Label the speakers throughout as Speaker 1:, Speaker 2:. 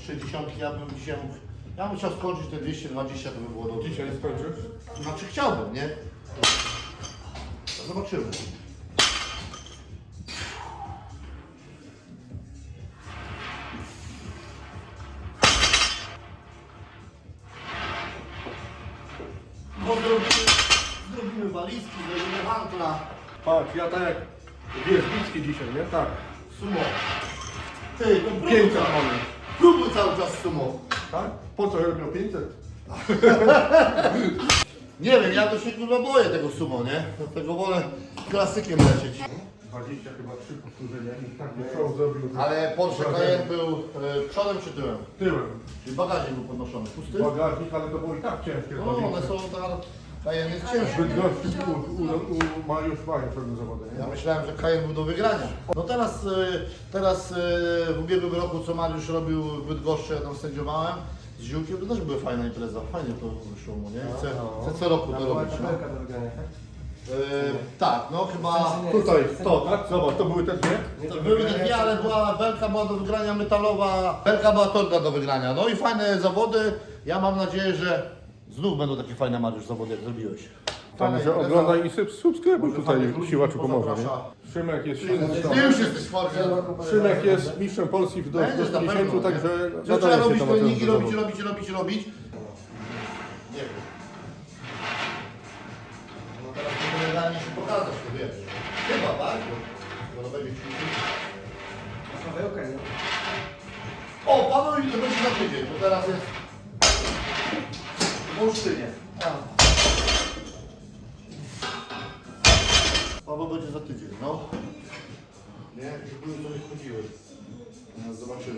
Speaker 1: 60, ja bym dzisiaj mógł, ja bym chciał skończyć te 220, to by było dobrze.
Speaker 2: Dzisiaj skończysz?
Speaker 1: Znaczy chciałbym, nie? Zobaczymy. No zrobimy walizki, zrobimy hantla.
Speaker 2: Patrz, ja tak jak Wierzbicki dzisiaj, nie? Tak.
Speaker 1: Sumo. Ty, to próbuj
Speaker 2: 500
Speaker 1: cały,
Speaker 2: mamy.
Speaker 1: próbuj cały czas sumo.
Speaker 2: Tak? Po co robią 500?
Speaker 1: Nie wiem, ja to się kurwa boję tego sumo, nie? Dlatego wolę klasykiem lecieć.
Speaker 2: 20 chyba 3 powtórzenia i tak show zrobił.
Speaker 1: Ale Porsche Cayenne był przodem czy tyłem?
Speaker 2: Tyłem.
Speaker 1: Czyli bagażnik był podnoszony. Pusty?
Speaker 2: Bagażnik, ale to było i tak ciężkie.
Speaker 1: No, one są tak... Cayenne jest ciężki.
Speaker 2: Bydgoszczy już mają pewne zawody, nie?
Speaker 1: Ja myślałem, że Cayenne był do wygrania. No teraz w ubiegłym roku, co Mariusz robił w Bydgoszczy, ja tam sędziowałem z Ziółkiem, to też była fajna impreza, fajnie to wyszło mu, nie? Chcę co roku to robić, no.
Speaker 3: do wygrania, tak?
Speaker 1: Tak, no chyba...
Speaker 2: Tutaj, to, tak? Zobacz, to były te dwie.
Speaker 1: To były te dwie, ale belka była do wygrania metalowa, belka była torda do wygrania. No i fajne zawody. Ja mam nadzieję, że znów będą takie fajne, Mariusz, zawody, jak zrobiłeś.
Speaker 2: Także oglądaj i subskrybuj tutaj, siłaczu pomoże, nie?
Speaker 1: Zaprasza.
Speaker 2: Szymek jest
Speaker 1: Ty już jesteś w formie.
Speaker 2: Szymek jest mistrzem Polski w
Speaker 1: Będziesz na
Speaker 2: 10,
Speaker 1: pewno,
Speaker 2: także
Speaker 1: nie? Trzeba robić
Speaker 2: to
Speaker 1: treningi,
Speaker 2: do
Speaker 1: robić.
Speaker 2: zawodu.
Speaker 1: Nie wiem. No teraz to generalnie się pokazać, to wiesz. Chyba, tak? Bo to będzie ćwiczyć.
Speaker 3: Pawełka, nie?
Speaker 1: O, Paweł i to będzie za tydzień, bo teraz jest w Olsztynie. Paweł będzie za tydzień, no. Nie, jakieś były, co nie wchodziły. Nas zobaczymy.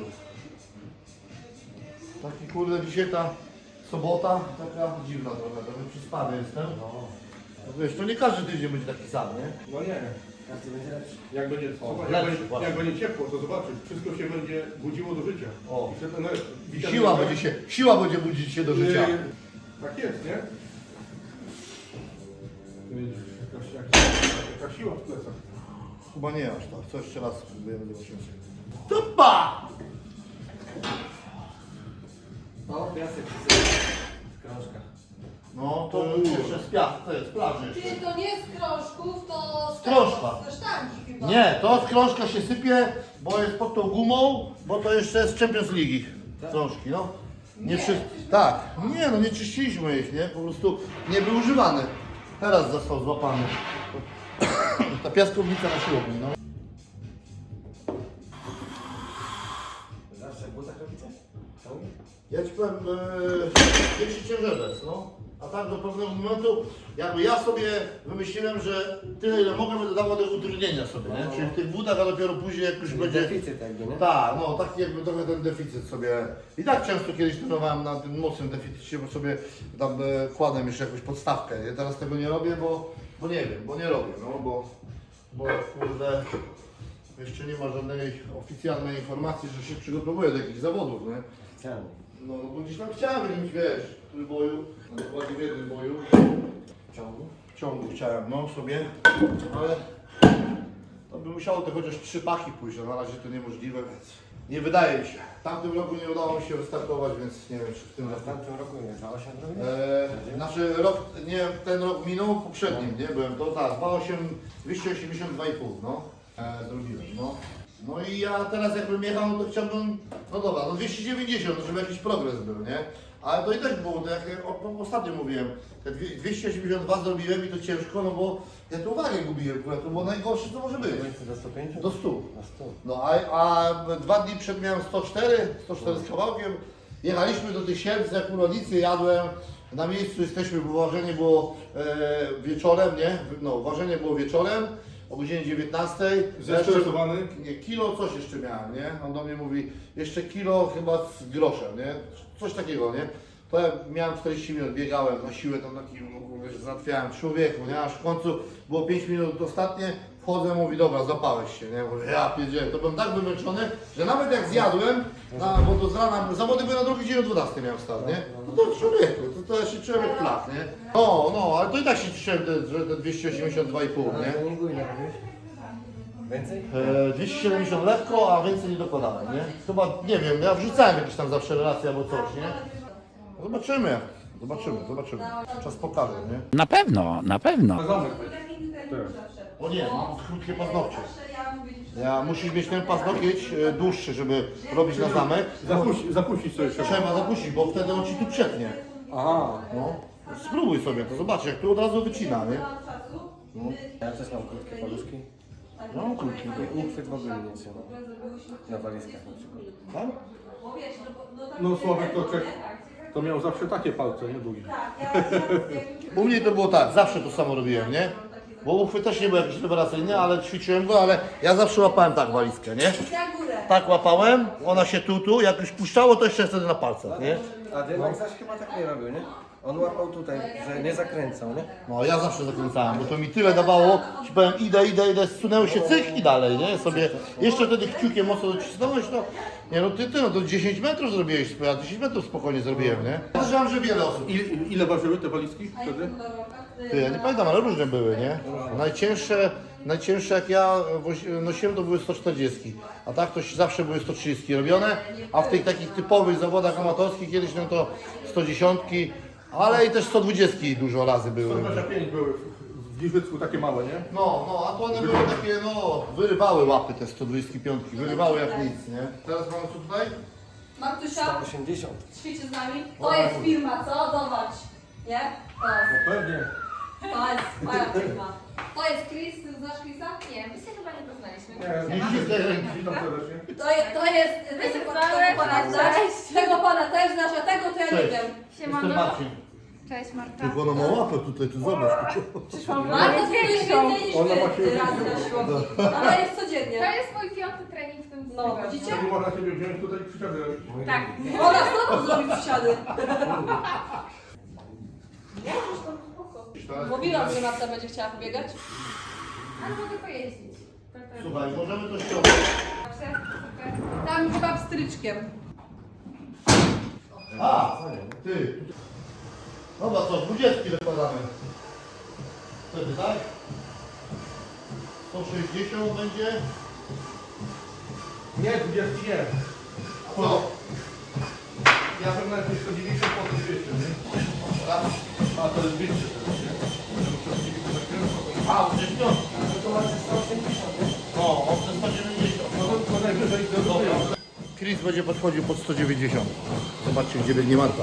Speaker 1: Taki kurde, dzisiaj ta sobota, taka dziwna trochę, trochę przyspany jestem. No wiesz, to nie każdy tydzień będzie taki sam, nie?
Speaker 2: No nie.
Speaker 3: Każdy będzie lepszy.
Speaker 2: Jak będzie,
Speaker 1: lepszy, właśnie.
Speaker 2: jak będzie ciepło, to zobaczysz, wszystko się będzie budziło do życia.
Speaker 1: O.
Speaker 2: I wtedy, no,
Speaker 1: Siła będzie budzić się do życia.
Speaker 2: Tak jest, nie? Widzisz, jaka siła w plecach.
Speaker 1: Chyba nie aż tak, co jeszcze raz spróbujemy zobaczyć. Tupa!
Speaker 3: O, piasek z krążka.
Speaker 1: No to jeszcze z piach, to jest plaży jeszcze.
Speaker 4: Czyli to nie z krążków, to z
Speaker 1: Krążka.
Speaker 4: Ze sztangi chyba.
Speaker 1: Nie, to z krążka się sypie, bo jest pod tą gumą, bo to jeszcze jest Champions League krążki, no.
Speaker 4: Nie,
Speaker 1: Przecież nie, no nie czyściliśmy ich, nie? Po prostu nie był używany. Teraz został złapany. Ta piaskownica na siłowni, no.
Speaker 3: Zawsze w butach robicie?
Speaker 1: Ja ci powiem, większy ciężarec, no. A tak do pewnego momentu, jakby ja sobie wymyśliłem, że tyle ile mogę będę dawał tego utrudnienia sobie, nie? Czyli w tych butach, a dopiero później jak już będzie...
Speaker 3: Deficyt jakby, nie?
Speaker 1: Tak, no taki jakby trochę ten deficyt sobie... I tak często kiedyś trenowałem na tym mocnym deficycie, bo sobie tam kładłem jeszcze jakąś podstawkę, nie? Teraz tego nie robię, bo nie wiem, bo nie robię, no bo kurde... Jeszcze nie ma żadnej oficjalnej informacji, że się przygotowuję do jakichś zawodów, nie?
Speaker 3: Chciałem.
Speaker 1: No bo gdzieś tam chciałem w jakimś, wiesz, w boju, dokładnie w jednym boju. W ciągu chciałem, no sobie, ale to by musiało to chociaż 3 paki pójść, a na razie to niemożliwe, więc nie wydaje mi się. W tamtym roku nie udało mi się wystartować, więc nie wiem, czy w tym
Speaker 3: W
Speaker 1: roku.
Speaker 3: tamtym roku nie, 2,8 robisz?
Speaker 1: Znaczy rok, nie, ten rok minął, poprzednim, nie, byłem to tak, 282,5, no, zrobiłem, no. No i ja teraz jakbym jechał, no to chciałbym, no dobra, no 290, żeby jakiś progres był, nie? Ale to i tak było, to jak ostatnio mówiłem, te 282 zrobiłem i to ciężko, no bo ja tu uwagę gubiłem, to było najgorsze, co może być.
Speaker 3: Do 105?
Speaker 1: Do 100.
Speaker 3: Na 100.
Speaker 1: No a 2 dni przed miałem 104 z kawałkiem. Jechaliśmy do tych Siedlc, jak u rodzicy jadłem. Na miejscu jesteśmy, bo ważenie było wieczorem, nie? No, ważenie było wieczorem o godzinie 19.
Speaker 2: Zestresowany?
Speaker 1: Nie, kilo coś jeszcze miałem, nie? On do mnie mówi, jeszcze kilo chyba z groszem, nie? Coś takiego, nie? To ja miałem 40 minut, biegałem na siłę, tam taki, wiesz, załatwiałem człowieku, nie? Aż w końcu było 5 minut ostatnie, wchodzę, mówi, dobra, zapałeś się, nie? Mówię, ja pierdzielę, to byłem tak wymęczony, że nawet jak zjadłem, bo to z rana, zawody były na drugi dzień o 12 miałem start, nie? To człowieku, to ja się czułem jak plak, nie? No, ale to i tak się czułem, że te 282,5,
Speaker 3: Ale
Speaker 1: nie?
Speaker 3: to nie górnie robisz? Więcej?
Speaker 1: 270 lekko, a więcej nie dokładałem, nie? Chyba, nie wiem, ja wrzucałem jakieś tam zawsze relacje albo coś, nie? Zobaczymy. Zobaczymy. Czas pokaże, nie?
Speaker 5: Na pewno, na pewno.
Speaker 2: Zamek.
Speaker 1: O nie, mam krótkie paznokcie. Ja musisz mieć ten paznokieć dłuższy, żeby robić na zamek.
Speaker 2: Zapuścić sobie się.
Speaker 1: Trzeba zapuścić, bo wtedy on ci tu przetnie.
Speaker 2: Aha.
Speaker 1: No. Spróbuj sobie to, zobacz jak tu od razu wycina, nie?
Speaker 3: Ja też mam krótkie paluszki.
Speaker 1: No, krótki.
Speaker 3: I uchwyt w ogóle nie trzyma. Na walizkach na przykład.
Speaker 1: Tak?
Speaker 2: No Sławek to miał zawsze takie palce, nie długie.
Speaker 1: U mnie to było tak, zawsze to samo robiłem, nie? Bo uchwyt też nie był jakiś rewelacyjny, ale ćwiczyłem go, ale ja zawsze łapałem tak walizkę, nie? Tak łapałem, ona się tu, jak już puszczało, to jeszcze wtedy na palcach, nie?
Speaker 3: A Dymek zaś chyba tak nie robił, nie? On łapał tutaj, że nie zakręcał, nie?
Speaker 1: No ja zawsze zakręcałem, bo to mi tyle dawało, ci powiem idę, zsunęło się cyk i dalej, nie? Sobie jeszcze wtedy kciukiem mocno docisnąłeś, to nie no ty no to 10 metrów zrobiłeś, ja 10 metrów spokojnie zrobiłem, nie? Podejrzewam, że wiele osób.
Speaker 2: Ile ważyły te walizki wtedy?
Speaker 1: Ty, ja nie pamiętam, ale różne były, nie? Najcięższe jak ja nosiłem to były 140, a tak to zawsze były 130 robione, a w tych takich typowych zawodach amatorskich kiedyś no to 110, ale i też 120 dużo razy były.
Speaker 2: 125 były w Giżycku takie małe, nie?
Speaker 1: No, a to one były takie, no, wyrywały łapy te 125, wyrywały jak nic, nie? Teraz mamy co tutaj?
Speaker 4: Martusia,
Speaker 3: 80.
Speaker 4: ćwiczy z nami. To jest firma, co? Zobacz. Nie? To jest.
Speaker 2: No pewnie.
Speaker 4: To jest moja firma. To jest Chris, ty znasz Chrisa? Nie, my się chyba nie poznaliśmy.
Speaker 2: Nie ściskaj ręki, witam serdecznie.
Speaker 4: To jest tego pana znasz, tego pana też znasz, a tego to ja nie wiem.
Speaker 1: Jestem Marcin.
Speaker 6: Cześć Marta.
Speaker 1: Tylko ona ma łapę tutaj, ty zobacz.
Speaker 6: Przyszłam
Speaker 4: Marta to jest więcej niż
Speaker 2: Ona ma
Speaker 4: wy
Speaker 2: się-
Speaker 4: razy na siłowni. Ona jest
Speaker 6: To
Speaker 4: codziennie.
Speaker 6: jest mój 5. trening w tym
Speaker 4: No,
Speaker 6: tygodniu.
Speaker 4: widzicie?
Speaker 2: Wtedy można ciebie wziąć tutaj i przysiady robić.
Speaker 6: Tak.
Speaker 4: Ona znowu zrobi przysiady. Mówiłam, że Marta będzie chciała pobiegać.
Speaker 6: Ale mogę pojeździć.
Speaker 1: Słuchaj, możemy to ściągnąć.
Speaker 4: Tam chyba pstryczkiem.
Speaker 1: A, ty. Dobra, co, 20 dokładamy. Wtedy, tak? 160 będzie.
Speaker 2: Nie, 20 nie.
Speaker 1: Co?
Speaker 2: Ja bym najpierw 190, potem 200, nie? A to jest 200 teraz, nie?
Speaker 1: A, to jest piątka.
Speaker 3: To macie 180, nie?
Speaker 1: No, on przez 190.
Speaker 2: No to najwyżej do
Speaker 1: Dobra. Chris będzie podchodził pod 190. Zobaczcie, gdzie biegnie Marta.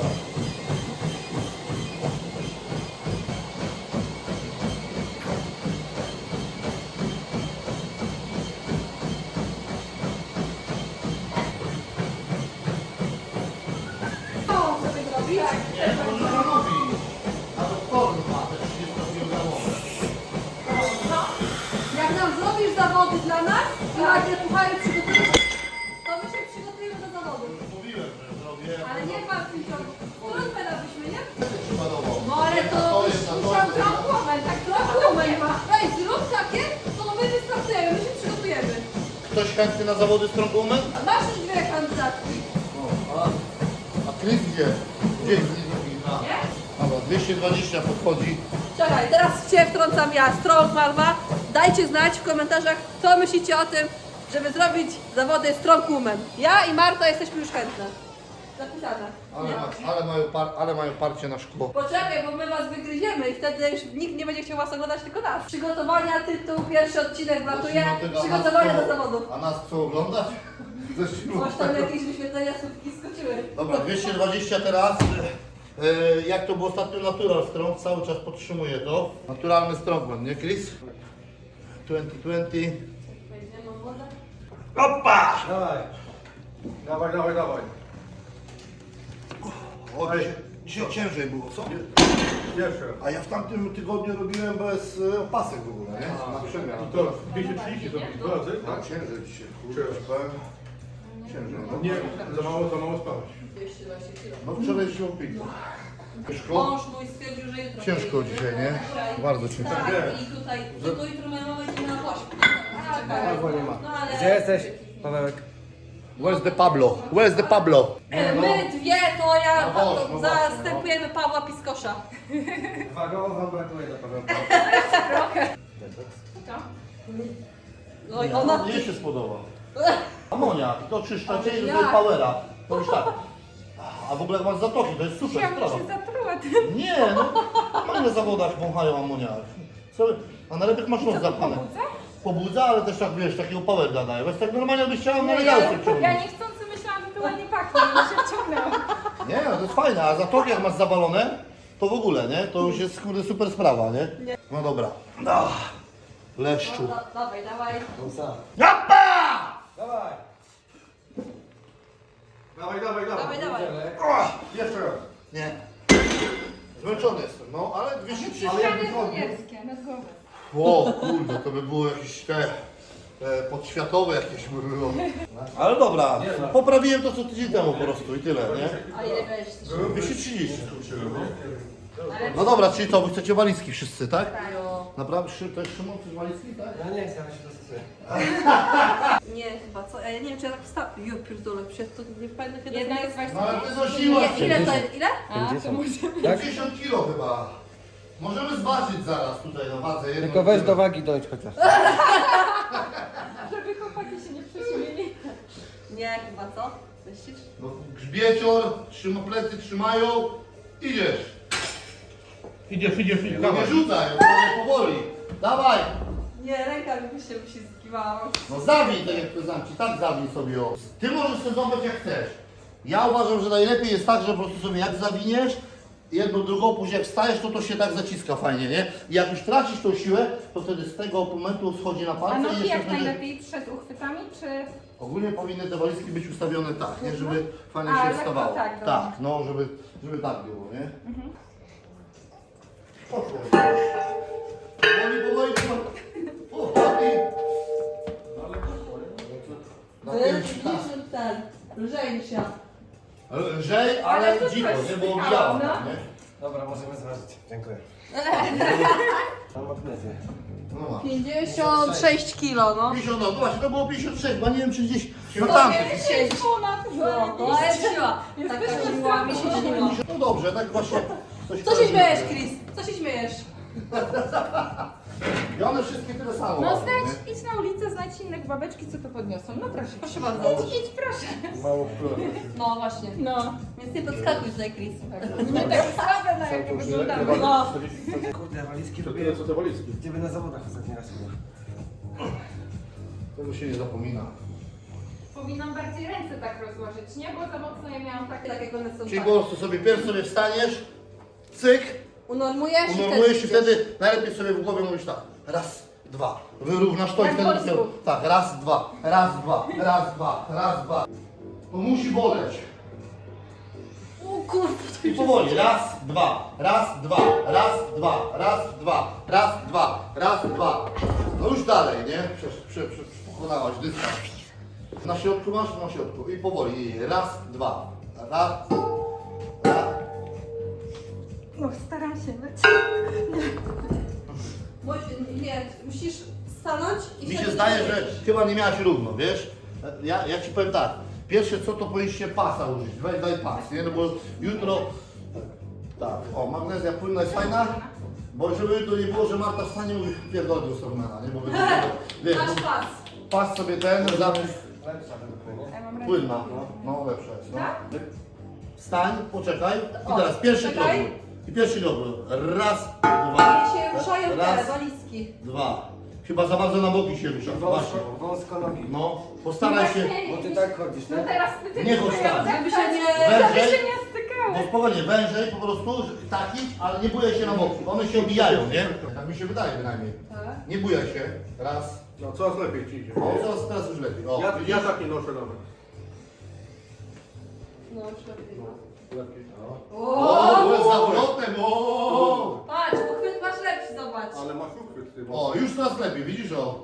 Speaker 4: Co sobie zrobić?
Speaker 1: Nie, to może nie mówi. A to korn ma te 30 kg.
Speaker 4: Jak nam zrobisz zawody dla nas i ładnie puchary przygotujesz, to my się przygotujemy do zawodów.
Speaker 1: Mówiłem, że zrobię.
Speaker 4: Ale nie martw się, trudne byśmy, nie?
Speaker 1: Przykładowo.
Speaker 4: No ale to musiał trąbłomen, tak trąbłomen ma. Ej, zrób takie, to my wystartujemy, my się przygotujemy.
Speaker 1: Ktoś chętny na zawody z trąbumem?
Speaker 4: A masz już dwie kandydatki,
Speaker 1: A Chris gdzie? Gdzie jest drugi?
Speaker 4: nie?
Speaker 1: Dobra, 220 podchodzi.
Speaker 4: Czekaj, teraz Cię wtrącam ja, Strong Marwa. Dajcie znać w komentarzach, co myślicie o tym, żeby zrobić zawody Strong Woman. Ja i Marta jesteśmy już chętne. Zapisane. Nie.
Speaker 1: Ale mają parcie na szkło.
Speaker 4: Poczekaj, bo my was wygryziemy i wtedy już nikt nie będzie chciał was oglądać, tylko nas. Przygotowania, tytuł, pierwszy odcinek wlatuje, przygotowania do zawodów.
Speaker 1: A nas chcą oglądać?
Speaker 4: Coś tam jakieś wyświetlenia słupki skoczyły.
Speaker 1: Dobra, 220 teraz. Jak to było ostatnio Natural Strong, cały czas podtrzymuję to. Naturalny Strongman, nie Chris? 2020.
Speaker 4: Wejdziemy w wodę.
Speaker 1: Opa!
Speaker 2: Dawaj. Dawaj, dawaj, dawaj.
Speaker 1: O, dzisiaj ciężej było, co?
Speaker 2: Jeszcze.
Speaker 1: A ja w tamtym tygodniu robiłem bez opasek w ogóle, nie? Na przemian.
Speaker 2: I to 230 to dwa razy,
Speaker 1: Tak,
Speaker 2: tak?
Speaker 1: ciężej dzisiaj.
Speaker 2: Ciężej.
Speaker 1: Ciężej. No,
Speaker 2: Nie, za mało spałeś.
Speaker 4: 220 kg.
Speaker 1: no wczoraj się opilił. Ciężko?
Speaker 4: Mąż mój stwierdził, że jutro.
Speaker 1: Ciężko dzisiaj, nie? Bardzo ciężko.
Speaker 4: Tak, i tutaj, tylko jutro moja mama idzie na pośpiew.
Speaker 3: Albo nie ma.
Speaker 4: No ale...
Speaker 3: Gdzie jesteś, Pawełek?
Speaker 1: Where's the Pablo? Where's the Pablo?
Speaker 4: My dwie, to ja
Speaker 1: No właśnie, no
Speaker 4: zastępujemy Pawła Piskosza.
Speaker 3: Wagowo wam brakuje do Pawełka.
Speaker 4: No i ona...
Speaker 1: Mnie się spodoba. Amoniak, to czyszczacie i
Speaker 4: Jak?
Speaker 1: powera. To już tak. A w ogóle jak masz zatoki, to jest super
Speaker 6: Ja bym
Speaker 1: sprawa.
Speaker 6: się zatruła tym.
Speaker 1: Nie, no, normalnie na zawodach wąchają amoniak. A najlepiej jak masz nos zapchany. Pobudza, ale też tak wiesz, takiego power daje. Więc tak normalnie byś chciała na legalce
Speaker 6: Ja
Speaker 1: wciągnąć.
Speaker 6: niechcący myślałam, że to ładnie pachnie i mi się wciągnęło.
Speaker 1: Nie, no to jest fajne, a zatoki jak masz zawalone, to w ogóle, nie? To już jest kurde super sprawa, nie? No dobra. Leszczu.
Speaker 4: No, dawaj, dawaj.
Speaker 1: Japa!
Speaker 3: Dawaj!
Speaker 2: Dawaj, dawaj, dawaj.
Speaker 4: Dawaj, dawaj.
Speaker 2: Jeszcze raz.
Speaker 1: Nie. Zmęczony jestem, no ale 230.
Speaker 6: Ściany żołnierskie na głowę.
Speaker 1: O kurde, to by było jakieś te podświatowe jakieś by było. Ale dobra, poprawiłem to co tydzień temu po prostu i tyle, nie?
Speaker 4: A ile weź?
Speaker 1: 230. No dobra, czyli to, wy chcecie walizki wszyscy, tak?
Speaker 4: Jo.
Speaker 1: Naprawdę, to jest Szymon, chcesz walizki, tak?
Speaker 3: Ja nie chcę, ale się dostosuję.
Speaker 4: Nie, chyba co? Ja nie wiem, czy ja tak wstawię. Jo, pierdolę, przecież to nie pamiętam kiedy
Speaker 6: Jedna
Speaker 4: to
Speaker 6: jest
Speaker 1: No
Speaker 6: właśnie.
Speaker 1: ale ty znosiłaś się.
Speaker 4: Ile to ile?
Speaker 6: A, to może
Speaker 1: 50 kilo chyba. Możemy zważyć zaraz tutaj na wadze. jedno
Speaker 3: Tylko weź
Speaker 1: kilo.
Speaker 3: do wagi dojdź chociaż.
Speaker 6: żeby chłopaki się nie przeziębili.
Speaker 4: Nie, chyba co? Myślisz?
Speaker 1: No, grzbiecior, plecy trzymają, idziesz.
Speaker 2: Idziesz,
Speaker 1: Nie
Speaker 2: dawaj.
Speaker 1: rzucaj, powoli. Dawaj.
Speaker 4: Nie, ręka mi się zgiwała.
Speaker 1: No zawij, tak jak powiedziałem ci, tak zawij sobie o. Ty możesz sobie zobaczyć jak chcesz. Ja uważam, że najlepiej jest tak, że po prostu sobie jak zawiniesz, jedną, drugą, później jak wstajesz, to się tak zaciska fajnie, nie? I jak już tracisz tą siłę, to wtedy z tego momentu schodzi na
Speaker 6: A
Speaker 1: palce i
Speaker 6: nogi
Speaker 1: jeszcze
Speaker 6: jak
Speaker 1: wtedy...
Speaker 6: najlepiej przed uchwytami, czy...
Speaker 1: Ogólnie powinny te walizki być ustawione tak, nie? Żeby fajnie
Speaker 6: A,
Speaker 1: się
Speaker 6: lekko
Speaker 1: wstawało.
Speaker 6: tak, dobra.
Speaker 1: Tak, no, żeby tak było, nie? Poszło. Powoli, powoli. Na pierwszy raz.
Speaker 4: Ten, lżej niż ja.
Speaker 1: Lżej, ale
Speaker 6: Ale to
Speaker 1: dziko,
Speaker 6: coś
Speaker 1: nie? Bo
Speaker 6: spychało,
Speaker 1: obijałam,
Speaker 6: no.
Speaker 1: nie?
Speaker 3: Dobra, możemy zważyć. Dziękuję. Mam magnezję.
Speaker 1: No ma.
Speaker 4: 56 kilo, no.
Speaker 1: 50, no właśnie, to było 56, bo nie wiem czy gdzieś na
Speaker 4: To
Speaker 1: tamtych.
Speaker 4: nie 10. No, to jest siła. Taka siła mi się śniła.
Speaker 1: No dobrze, tak właśnie.
Speaker 4: Co się śmiejesz, Chris? Co się śmiejesz?
Speaker 1: I one wszystkie tyle samo.
Speaker 6: No
Speaker 1: ważą,
Speaker 6: znajdź, idź na ulicę, znajdź innych babeczki, co to podniosą. No proszę.
Speaker 4: Proszę bardzo.
Speaker 6: Idź, proszę.
Speaker 3: Mało wpływu.
Speaker 4: No właśnie.
Speaker 6: No.
Speaker 4: Więc nie podskakuj tutaj, Chris.
Speaker 6: My tak słabe na jakie wyglądamy.
Speaker 4: No.
Speaker 3: Kurde, walizki
Speaker 2: To
Speaker 3: robię.
Speaker 2: tyle co te walizki.
Speaker 3: Gdzie by na zawodach ostatni raz było?
Speaker 1: Tego się nie zapomina.
Speaker 6: Powinnam bardziej ręce tak rozłożyć, nie? Bo za mocno je miałam takie.
Speaker 4: Tak jak one są
Speaker 1: Czyli
Speaker 4: tak.
Speaker 1: po prostu sobie pierw sobie wstaniesz, cyk,
Speaker 4: Unormujesz
Speaker 1: unormujesz i
Speaker 4: idziesz.
Speaker 1: wtedy najlepiej sobie w głowie mówisz tak. Raz, dwa. Wyrównasz to i
Speaker 6: Jak
Speaker 1: wtedy
Speaker 6: w wojsku.
Speaker 1: tak, raz, dwa, raz, dwa, raz, dwa, raz, dwa. To musi boleć.
Speaker 4: O kurwa, to
Speaker 1: I powoli, raz, dwa, raz, dwa, raz, dwa, raz, dwa, raz, dwa, raz, dwa. No już dalej, nie? Pokonałaś dystans. Na środku masz? Na środku. I powoli. Raz, dwa. Raz, raz.
Speaker 6: No staram się być.
Speaker 4: Nie, musisz stanąć i
Speaker 1: Mi się
Speaker 4: wtedy
Speaker 1: zdaje,
Speaker 4: idziesz.
Speaker 1: że chyba nie miałaś równo, wiesz? Ja ci powiem tak. Pierwsze co, to powinniście pasa użyć. Daj pas, nie? No bo jutro... Tak, o, magnezja płynna jest fajna. Bo żeby to nie było, że Marta wstanie i mówi pierdolę do Stormana, nie? Bo będzie, wiesz,
Speaker 4: Masz pas.
Speaker 1: pas sobie ten, zapis
Speaker 3: Lepsza według mnie, nie?
Speaker 6: Ja mam ręce.
Speaker 1: płynna. No lepsza jest, no.
Speaker 6: Tak?
Speaker 1: Wstań, poczekaj i
Speaker 4: O,
Speaker 1: teraz pierwszy krok.
Speaker 4: czekaj.
Speaker 1: I pierwszy krok. Raz, dwa.
Speaker 4: I się ruszają te
Speaker 1: Raz,
Speaker 4: walizki.
Speaker 1: dwa. Chyba za bardzo na boki się rusza. Właśnie.
Speaker 3: Wąsko nogi.
Speaker 1: No, postaraj się.
Speaker 3: Bo ty tak chodzisz,
Speaker 6: No
Speaker 3: tak?
Speaker 6: teraz ty
Speaker 1: Nie chodź tak.
Speaker 4: Żeby się nie...
Speaker 6: Żeby
Speaker 1: Wężej.
Speaker 6: się nie stykały.
Speaker 1: No spokojnie, wężej po prostu, takić, ale nie bujaj się na boki. One się obijają, nie? Tak mi się wydaje bynajmniej.
Speaker 4: Tak.
Speaker 1: Nie bujaj się. Raz.
Speaker 2: No coraz lepiej ci idzie.
Speaker 1: O, teraz już lepiej. O,
Speaker 2: Ja tak nie noszę nawet.
Speaker 4: No, już lepiej.
Speaker 2: Lepiej.
Speaker 1: O, byłem z zawrotem, o!
Speaker 4: Patrz, uchwyt masz lepszy, zobacz.
Speaker 2: Ale masz uchwyt ty.
Speaker 1: O, już teraz lepiej, widzisz o?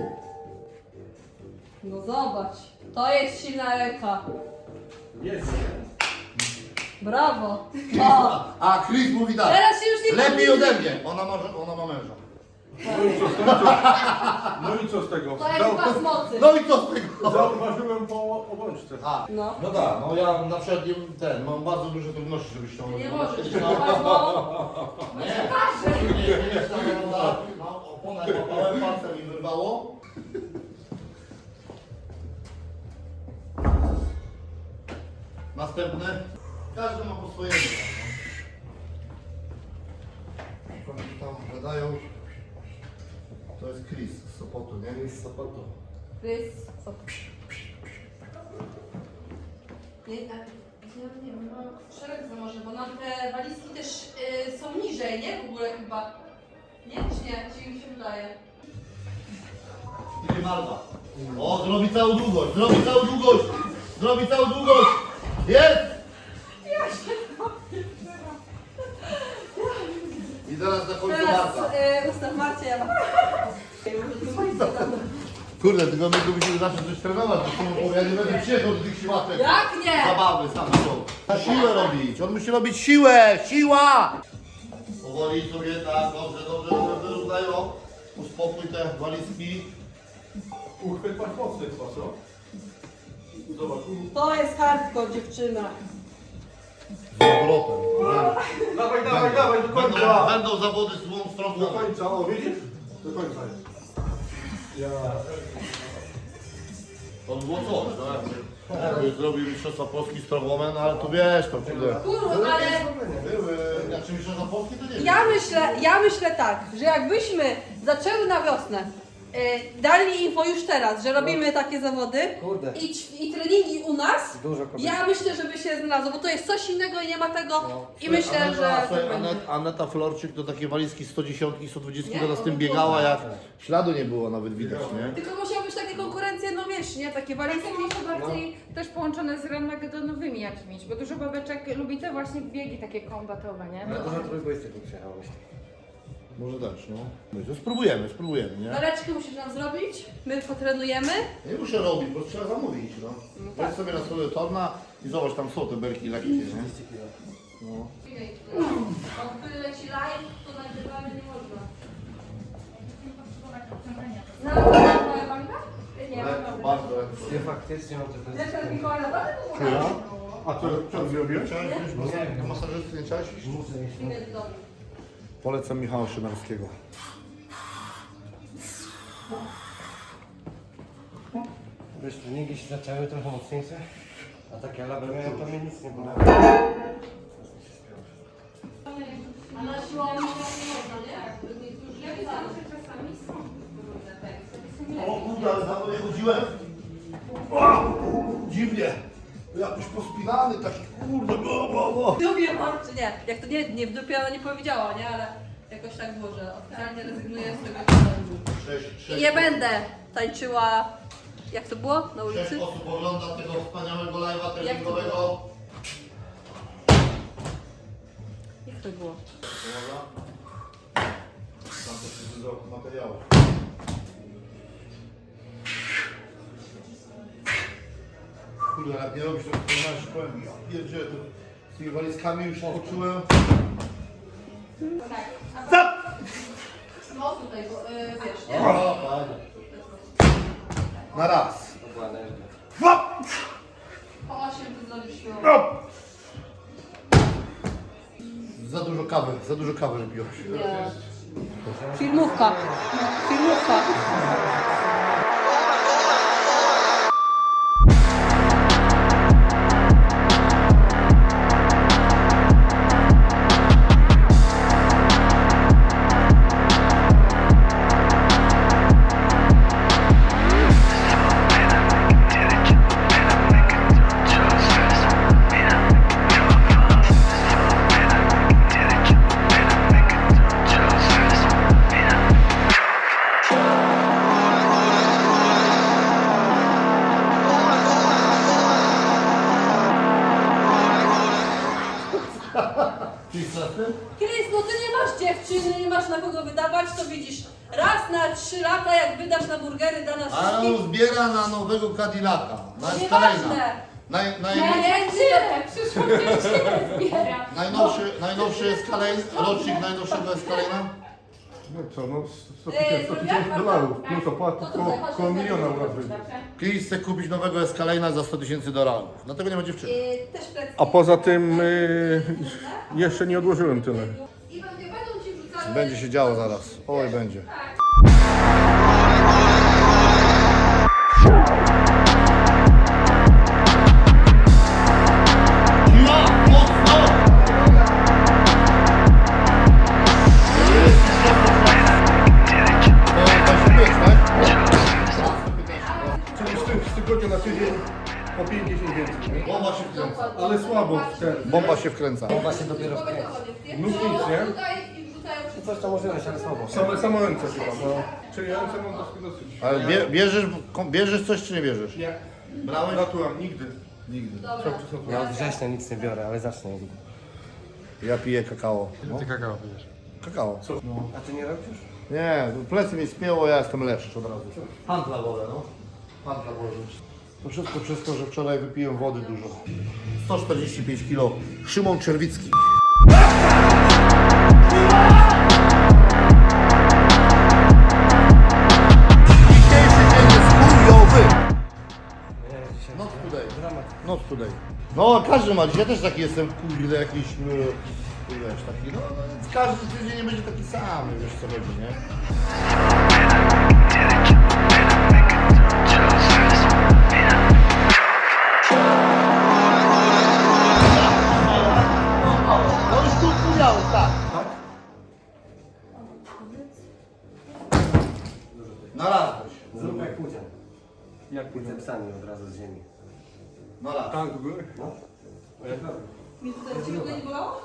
Speaker 4: No zobacz. To jest silna ręka.
Speaker 2: Jest.
Speaker 4: Brawo. O.
Speaker 1: A Chris mówi tak.
Speaker 4: Teraz się już nie
Speaker 1: Lepiej
Speaker 4: pomyli.
Speaker 1: ode mnie. Ona ma męża.
Speaker 2: No i co z tego?
Speaker 4: To jest pas mocy.
Speaker 1: No i co z tego?
Speaker 2: Zauważyłem po obączce.
Speaker 1: A,
Speaker 4: No.
Speaker 1: no tak, no ja na przykład mam bardzo duże trudności, żeby ściągnąć.
Speaker 4: Nie możesz.
Speaker 1: No,
Speaker 4: No.
Speaker 1: nie, nie, opona łapałem, palcem mi wyrwało. następne. Każdy ma po swojemu. No. Oni tam gadają. To jest Chris z Sopotu, nie?
Speaker 3: Jest z Sopotu.
Speaker 4: Krys, nie wiem, no, szereg to może, bo nam te walizki też są niżej, nie? W ogóle chyba. Nie? Czy nie? Czy mi się wydaje?
Speaker 1: Idzie Marta. O, zrobi całą długość, zrobi całą długość! Zrobi całą długość! Jest! I teraz na końcu
Speaker 4: Teraz
Speaker 1: Marta.
Speaker 4: ustaw Marcie, ja mam.
Speaker 1: Kurde, tylko my tu musimy zacząć coś trenować, bo ja nie będę przyjechał do tych siłaczek.
Speaker 4: Jak nie?
Speaker 1: Zabawy same są. Na siłę robić, on musi robić siłę, siła! Powoli sobie, tak, dobrze, wyrównają. Uspokój te walizki.
Speaker 2: Uchwyt masz mocny chyba, co? Zobacz.
Speaker 4: To jest hardcore, dziewczyna.
Speaker 1: Z obrotem.
Speaker 2: Dawaj, do końca.
Speaker 1: Będą zawody z dwóch stron.
Speaker 2: Do końca, o widzisz? Do końca jest. Ja.
Speaker 1: To było coś, no jakby zrobił mistrzostwa Polski strongwoman, ale tu wiesz, to kurde.
Speaker 4: Kurwa, ale
Speaker 1: Były, znaczy mistrzostwa Polski to nie wiem.
Speaker 4: ja myślę tak, że jakbyśmy zaczęły na wiosnę, dali info już teraz, że robimy takie zawody
Speaker 3: Kurde.
Speaker 4: i treningi u nas,
Speaker 3: Dużo kobiet.
Speaker 4: ja myślę, żeby się znalazło, bo to jest coś innego i nie ma tego i myślę, że...
Speaker 1: Aneta Florczyk to takie walizki 110 i 120
Speaker 4: Nie?
Speaker 1: to z tym biegała, jak śladu nie było nawet widać, nie?
Speaker 4: Tylko musiały być takie konkurencje, no wiesz, nie? Takie walizki.
Speaker 6: Takie może bardziej też połączone z ranmagedonowymi jakimiś, bo dużo babeczek lubi te właśnie biegi takie kombatowe, nie?
Speaker 3: Ale dużo trójbojstyków przyjechało myślę.
Speaker 1: Może też, no. No i to spróbujemy, nie?
Speaker 4: Waleczkę musisz nam zrobić, my potrenujemy.
Speaker 1: Nie muszę robić, bo trzeba zamówić, no. Weź sobie na sobie torna i zobacz, tam są te belki lekkie, nie?
Speaker 3: 200 kg.
Speaker 1: No.
Speaker 4: Jak leci live, to nagrywamy nie można. Znalazłeś moja banka? Nie,
Speaker 1: Lekko, bardzo lekko.
Speaker 3: Nie, faktycznie mam te
Speaker 4: Lecz Mikołaj naprawdę
Speaker 2: A co zrobiłeś?
Speaker 1: Chciałeś wziąć do masażysty, nie chciałeś iść?
Speaker 3: Muszę iść.
Speaker 4: nie jest dobry.
Speaker 1: Polecam Michała Szynarskiego.
Speaker 3: Wiesz, treningi się zaczęły trochę mocniejsze, a takie laby miałem, to mnie nic nie było.
Speaker 4: A na siłowni nie można, nie? Już
Speaker 6: Ja wiedziałam, że czasami są różne teksty.
Speaker 1: O kurde, ale za mną nie chodziłem. O, dziwnie. Jakoś pospinany, taki kurde,
Speaker 4: W dupie mam, czy nie? Jak to nie w dupie ona nie powiedziała, nie? Ale jakoś tak było, że oficjalnie rezygnuję z tego treningu. I nie będę tańczyła, jak to było? Na
Speaker 1: 6
Speaker 4: ulicy?
Speaker 1: osób ogląda tego wspaniałego live'a
Speaker 4: Jak to
Speaker 1: treningowego.
Speaker 4: Jak to było?
Speaker 1: Dobra. Tam też jest dużo materiałów. Kurde, jak nie robisz to masz powiem, ja pierdzielę, to z tymi walizkami już poczułem.
Speaker 4: No tutaj, bo wiesz, nie?
Speaker 1: O, fajnie. Na raz.
Speaker 3: To była energia.
Speaker 4: Po 8 to zrobisz siłownię.
Speaker 1: Za dużo kawy wypiłeś.
Speaker 4: Nie. Filmówka. Filmówka. Krys, no ty nie masz dziewczyny, nie masz na kogo wydawać, to widzisz, raz na 3 lata jak wydasz na burgery dla nas
Speaker 1: A on
Speaker 4: wszystkich,
Speaker 1: zbiera na nowego Cadillaca. Na
Speaker 4: nieważne.
Speaker 6: Nie, przyszłą dziewczynę zbiera.
Speaker 1: Najnowszy Escalade, rocznik najnowszego Escalade'a.
Speaker 2: No co, no $100
Speaker 4: zrobiłaś
Speaker 2: tysięcy dolarów, plus opłaty
Speaker 4: To tutaj, chodź,
Speaker 2: koło
Speaker 4: chodź,
Speaker 2: miliona
Speaker 4: chodź,
Speaker 2: u nas
Speaker 4: chodź,
Speaker 2: wyjdzie.
Speaker 6: Dobrze.
Speaker 1: Chris chce kupić nowego Escalade'a za $100,000. Dlatego nie ma dziewczyny.
Speaker 4: Też plecy.
Speaker 2: A poza tym jeszcze nie odłożyłem tyle.
Speaker 4: I będą ci wrzucane...
Speaker 1: Będzie się działo zaraz. Oj, będzie. bomba się wkręca.
Speaker 3: On właśnie dopiero
Speaker 4: Powiedz
Speaker 3: wkręca.
Speaker 4: o koniec,
Speaker 2: Nic, nie?
Speaker 4: Tutaj i wrzucają wszystko.
Speaker 3: Coś tam może być, ale słabo.
Speaker 2: Same ręce chyba, no. Czyli ręce mam dosyć.
Speaker 1: Ale bierzesz coś czy nie bierzesz?
Speaker 2: Nie.
Speaker 1: Brałeś?
Speaker 2: Naturam, nigdy.
Speaker 1: Nigdy.
Speaker 4: Dobra.
Speaker 3: Ja od września nic nie biorę, ale zacznę.
Speaker 1: Ja piję kakao. No.
Speaker 5: Ty kakao pijesz.
Speaker 1: Kakao.
Speaker 3: A ty nie robisz?
Speaker 1: Nie, plecy mi spięło, ja jestem lepszy od razu. Pantla wolę, no. Pantla wolę. To wszystko przez to, że wczoraj wypiłem wody dużo. 145 kg. Szymon Czerwicki. Dzisiejszy dzień jest chujowy.
Speaker 3: Nie, dzisiaj
Speaker 1: Not today.
Speaker 3: dramat.
Speaker 1: Not today. No, każdy ma dzisiaj, ja też taki jestem, kurde, jakiś, wiesz, taki, no, każdy tydzień nie będzie taki sam, wiesz co chodzi, nie? No już tu miałem, tak. Znalazłeś.
Speaker 3: Zrób jak pudzian.
Speaker 2: Jak
Speaker 3: Pójdę psami od razu z ziemi.
Speaker 1: Znalazłeś.
Speaker 2: Tak, do góry?
Speaker 3: No.
Speaker 2: A jak dalej?
Speaker 4: Mi tutaj ciebie go nie bolało?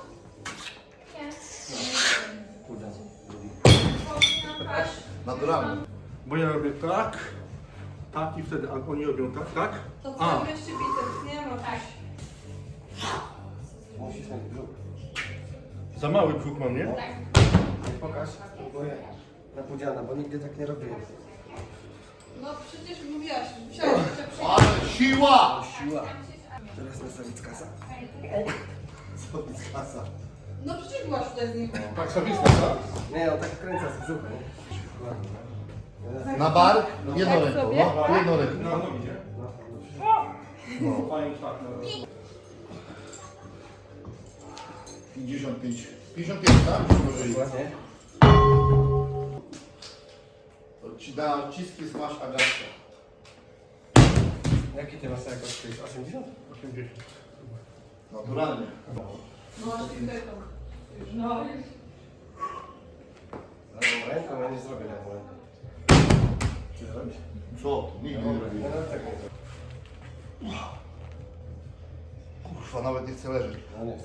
Speaker 3: Pudzian.
Speaker 1: Naturalnie.
Speaker 2: Bo ja robię tak, tak i wtedy, a oni robią tak, tak?
Speaker 4: To
Speaker 2: A.
Speaker 4: co, mieści biceps, nie ma. Tak.
Speaker 3: Musisz mieć brzuch.
Speaker 2: Za mały brzuch mam, nie?
Speaker 3: Nie pokaż, próbuję na pudziana, bo nigdy tak nie robiłem.
Speaker 4: No przecież mówiłaś, musiałaś jeszcze przyjść.
Speaker 1: Ale siła!
Speaker 3: Siła. Teraz na Sawickasa.
Speaker 1: Kasa.
Speaker 4: No przecież byłaś tutaj z nim.
Speaker 2: Tak, Sawicka, tak?
Speaker 3: Nie, on tak kręca z brzucha, nie? Ładnie.
Speaker 1: Na bark? Jedną
Speaker 4: Tak
Speaker 1: ręką,
Speaker 4: sobie?
Speaker 1: no. Jedną ręką.
Speaker 2: No, no idzie.
Speaker 1: No.
Speaker 2: Fajnie, tak, no.
Speaker 1: 55. 55, tak? Byśmy użyli.
Speaker 3: Ładnie.
Speaker 1: Na odciski smash Agatka.
Speaker 3: Jaki ty masz jakoś 80?
Speaker 2: 80.
Speaker 1: Naturalnie.
Speaker 4: No właśnie tutaj to. No.
Speaker 3: Lewą ręką ja nie zrobię lewą ręką. Ty zrobisz?
Speaker 1: Co? Nigdy nie
Speaker 3: Nie,
Speaker 1: robię.
Speaker 3: no tak nie zrobię.
Speaker 1: Kurwa, nawet nie chcę leżeć.
Speaker 3: No nie chcę.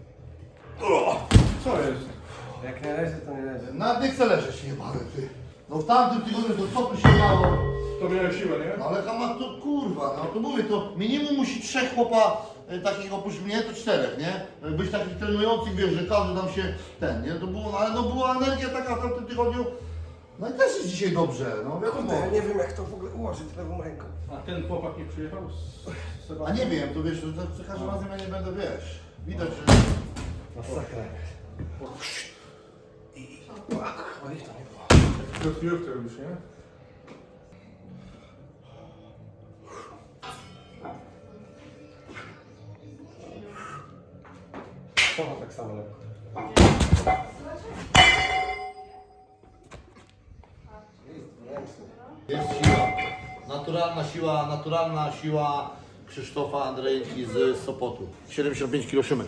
Speaker 2: Co jest?
Speaker 3: Jak nie leży, to nie leży.
Speaker 1: Nawet nie chcę leżeć, jebany ty. No w tamtym tygodniu to co tu się dało?
Speaker 2: To miałem siłę, nie?
Speaker 1: No ale kama to kurwa, no to mówię, to minimum musi 3 chłopa takich oprócz mnie, to 4, nie? Być takich trenujących, wiesz, że każdy tam się ten, nie? To było, no, ale no była energia taka w tamtym tygodniu. No i też jest dzisiaj dobrze, no wiadomo.
Speaker 3: Kurde, ja nie wiem jak to w ogóle ułożyć lewą ręką.
Speaker 2: A ten chłopak nie przyjechał z
Speaker 1: A nie wiem, to wiesz, to za każdym razem ja nie będę, wiesz, widać, że...
Speaker 3: Masakra. Oj, to nie było.
Speaker 2: Krokujówkę robisz, nie?
Speaker 3: To ma tak samo lekko.
Speaker 1: Jest siła, naturalna siła Krzysztofa Andrejki z Sopotu. 75 kg szymek.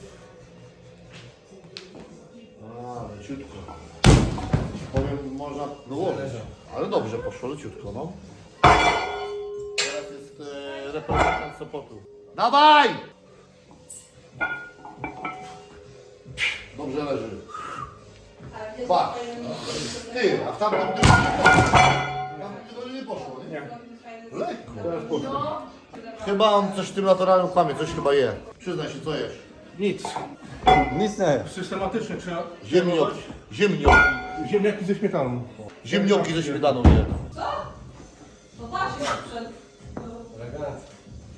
Speaker 1: A, leciutko. Powiem, można dołożyć. Ale dobrze poszło, leciutko, no. Teraz jest reprezentant Sopotu. Dawaj! Dobrze leży. Patrz. Ty, a w tamtym tygodniu nie poszło, nie? Lekko. Teraz poszło. Chyba on coś w tym naturalnym kłamie, coś chyba je. Przyznaj się, co jesz.
Speaker 2: Nic.
Speaker 3: Nic nie.
Speaker 2: Systematycznie trzeba...
Speaker 1: Ziemnioki. Ziemnioki.
Speaker 2: Ziemniaki ze śmietaną.
Speaker 1: Ziemnioki ze śmietaną je.
Speaker 4: No właśnie, sprzęt.
Speaker 3: Elegancko.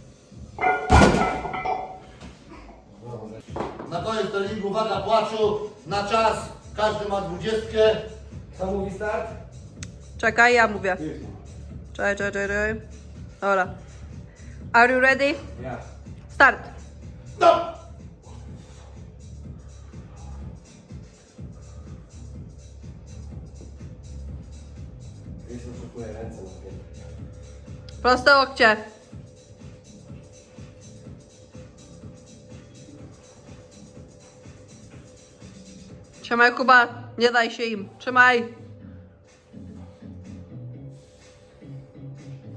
Speaker 1: Na koniec treningu, uwaga, płaczu, na czas. Każdy ma 20.
Speaker 3: Co mówi start?
Speaker 4: Czekaj, ja mówię. Czekaj. Dobra. Are you ready?
Speaker 3: Ja.
Speaker 4: Start.
Speaker 1: No!
Speaker 3: Jeśli oszukuję ręce na piętę.
Speaker 4: Proste łokcie. Trzymaj, Kuba, nie daj się im. Trzymaj.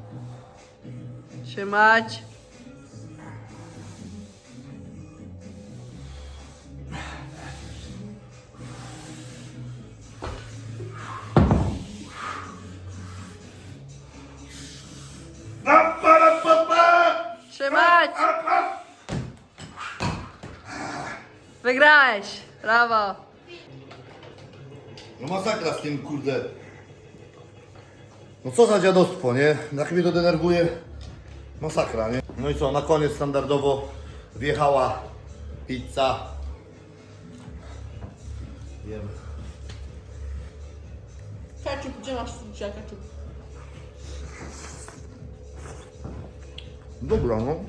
Speaker 4: Trzymać. Wygrałeś! Brawo!
Speaker 1: No masakra z tym, kurde. No co za dziadostwo, nie? Jak mnie to denerwuje. Masakra, nie? No i co, na koniec standardowo wjechała pizza. Jemy.
Speaker 4: Ketchup, gdzie masz dzisiaj ketchup?
Speaker 1: Dobra, no.